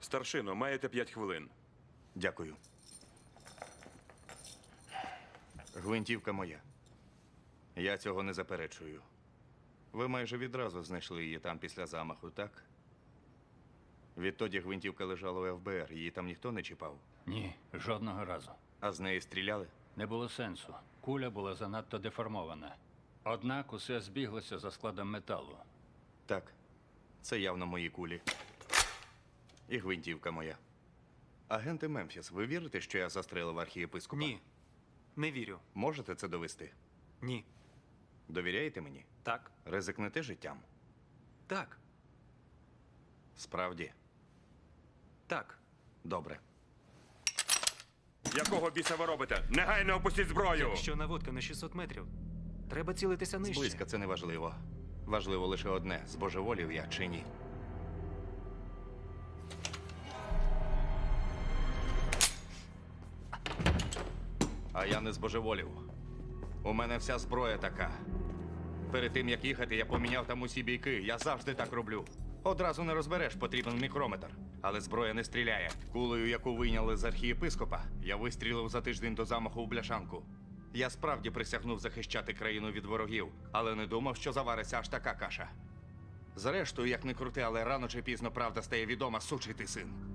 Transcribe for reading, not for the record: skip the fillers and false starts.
Старшино, маєте 5 хвилин. Дякую. Гвинтівка моя. Я цього не заперечую. Ви майже відразу знайшли її там після замаху, так? Відтоді гвинтівка лежала у ФБР, її там ніхто не чіпав. Ні, жодного разу. А з неї стріляли? Не було сенсу. Куля була занадто деформована. Однак усе збіглося за складом металу. Так. Це явно мої кулі. І гвинтівка моя. Агенти Мемфіс, ви вірите, що я застрелив архієпископа? Ні, не вірю. Можете це довести? Ні. Довіряєте мені? Так. Ризикнете життям? Так. Справді? Так. Добре. Якого біса ви робите? Негайно опустіть зброю! Якщо наводка на 600 метрів, треба цілитися нижче. Зблизька це не важливо. Важливо лише одне – збожеволів я чи ні. А я не збожеволів. У мене вся зброя така. Перед тим, як їхати, я поміняв там усі бійки. Я завжди так роблю. Одразу не розбереш, потрібен мікрометр. Але зброя не стріляє. Кулею, яку вийняли з архієпископа, я вистрілив за тиждень до замаху у бляшанку. Я справді присягнув захищати країну від ворогів, але не думав, що завариться аж така каша. Зрештою, як не крути, але рано чи пізно правда стає відома, сучий ти син.